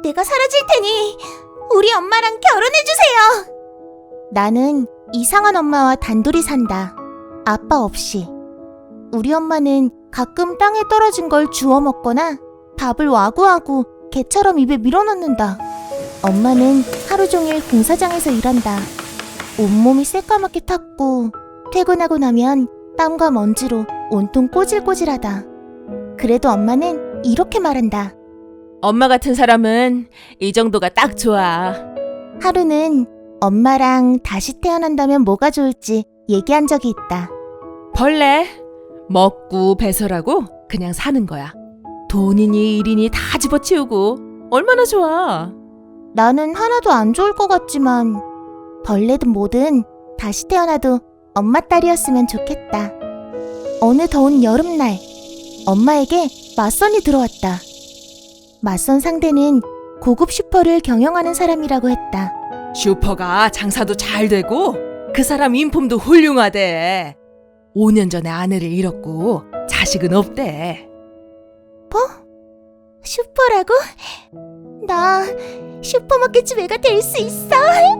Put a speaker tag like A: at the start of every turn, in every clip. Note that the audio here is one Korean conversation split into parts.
A: 내가 사라질 테니 우리 엄마랑 결혼해주세요. 나는 이상한 엄마와 단둘이 산다. 아빠 없이. 우리 엄마는 가끔 땅에 떨어진 걸 주워 먹거나 밥을 와구와구 개처럼 입에 밀어넣는다. 엄마는 하루 종일 공사장에서 일한다. 온몸이 새까맣게 탔고 퇴근하고 나면 땀과 먼지로 온통 꼬질꼬질하다. 그래도 엄마는 이렇게 말한다.
B: 엄마 같은 사람은 이 정도가 딱 좋아.
A: 하루는 엄마랑 다시 태어난다면 뭐가 좋을지 얘기한 적이 있다.
B: 벌레 먹고 배설하고 그냥 사는 거야. 돈이니 일이니 다 집어치우고 얼마나 좋아.
A: 나는 하나도 안 좋을 것 같지만 벌레든 뭐든 다시 태어나도 엄마 딸이었으면 좋겠다. 어느 더운 여름날 엄마에게 맞선이 들어왔다. 맞선 상대는 고급 슈퍼를 경영하는 사람이라고 했다.
B: 슈퍼가 장사도 잘 되고 그 사람 인품도 훌륭하대. 5년 전에 아내를 잃었고 자식은 없대.
A: 슈퍼라고? 나 슈퍼마켓 애가 될 수 있어?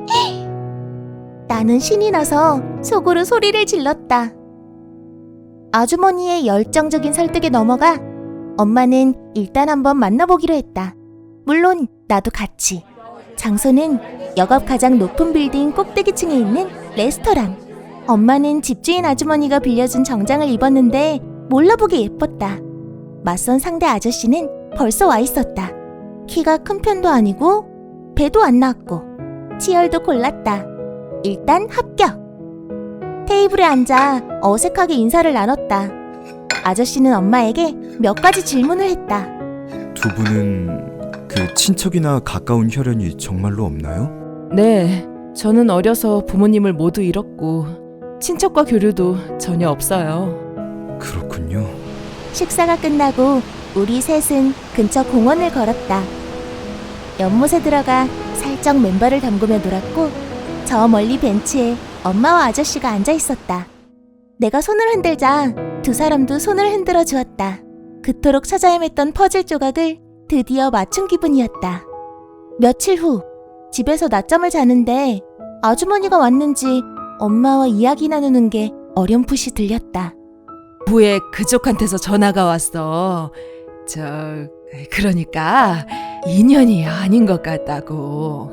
A: 나는 신이 나서 속으로 소리를 질렀다. 아주머니의 열정적인 설득에 넘어가 엄마는 일단 한번 만나보기로 했다. 물론 나도 같이. 장소는 역업 가장 높은 빌딩 꼭대기층에 있는 레스토랑. 엄마는 집주인 아주머니가 빌려준 정장을 입었는데 몰라보게 예뻤다. 맞선 상대 아저씨는 벌써 와 있었다. 키가 큰 편도 아니고 배도 안 나왔고 치열도 골랐다. 일단 합격. 테이블에 앉아 어색하게 인사를 나눴다. 아저씨는 엄마에게 몇 가지 질문을 했다.
C: 두 분은 그 친척이나 가까운 혈연이 정말로 없나요?
B: 네, 저는 어려서 부모님을 모두 잃었고 친척과 교류도 전혀 없어요.
C: 그렇군요.
A: 식사가 끝나고 우리 셋은 근처 공원을 걸었다. 연못에 들어가 살짝 맨발을 담그며 놀았고 저 멀리 벤치에 엄마와 아저씨가 앉아 있었다. 내가 손을 흔들자 두 사람도 손을 흔들어 주었다. 그토록 찾아 헤맸던 퍼즐 조각을 드디어 맞춘 기분이었다. 며칠 후 집에서 낮잠을 자는데 아주머니가 왔는지 엄마와 이야기 나누는 게 어렴풋이 들렸다.
B: 후에 그쪽한테서 전화가 왔어. 그러니까 인연이 아닌 것 같다고.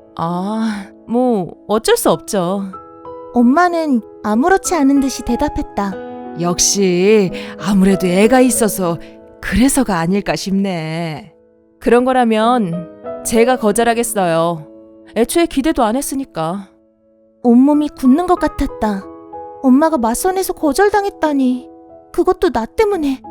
B: 뭐 어쩔 수 없죠.
A: 엄마는 아무렇지 않은 듯이 대답했다.
B: 역시 아무래도 애가 있어서 그래서가 아닐까 싶네. 그런 거라면 제가 거절하겠어요. 애초에 기대도 안 했으니까.
A: 온몸이 굳는 것 같았다. 엄마가 맞선에서 거절당했다니. 그것도 나 때문에.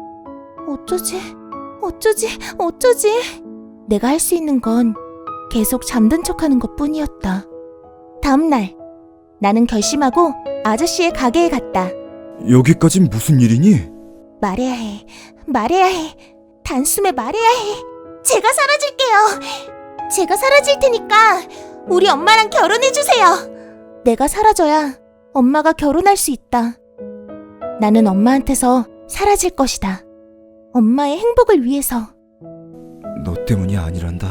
A: 어쩌지? 내가 할 수 있는 건 계속 잠든 척하는 것뿐이었다. 다음 날 나는 결심하고 아저씨의 가게에 갔다.
C: 여기까진 무슨 일이니?
A: 말해야 해. 단숨에 말해야 해. 제가 사라질게요. 제가 사라질 테니까 우리 엄마랑 결혼해주세요. 내가 사라져야 엄마가 결혼할 수 있다. 나는 엄마한테서 사라질 것이다. 엄마의 행복을 위해서.
C: 너 때문이 아니란다.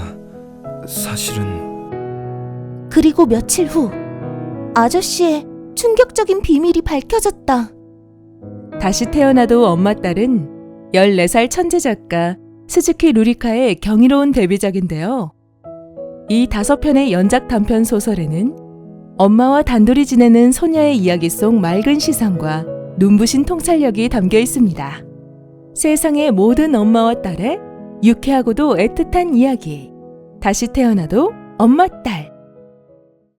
C: 사실은...
A: 그리고 며칠 후 아저씨의 충격적인 비밀이 밝혀졌다.
B: 다시 태어나도 엄마 딸은 14살 천재 작가 스즈키 루리카의 경이로운 데뷔작인데요. 이 5편의 연작 단편 소설에는 엄마와 단둘이 지내는 소녀의 이야기 속 맑은 시선과 눈부신 통찰력이 담겨 있습니다. 세상의 모든 엄마와 딸의 유쾌하고도 애틋한 이야기. 다시 태어나도 엄마 딸.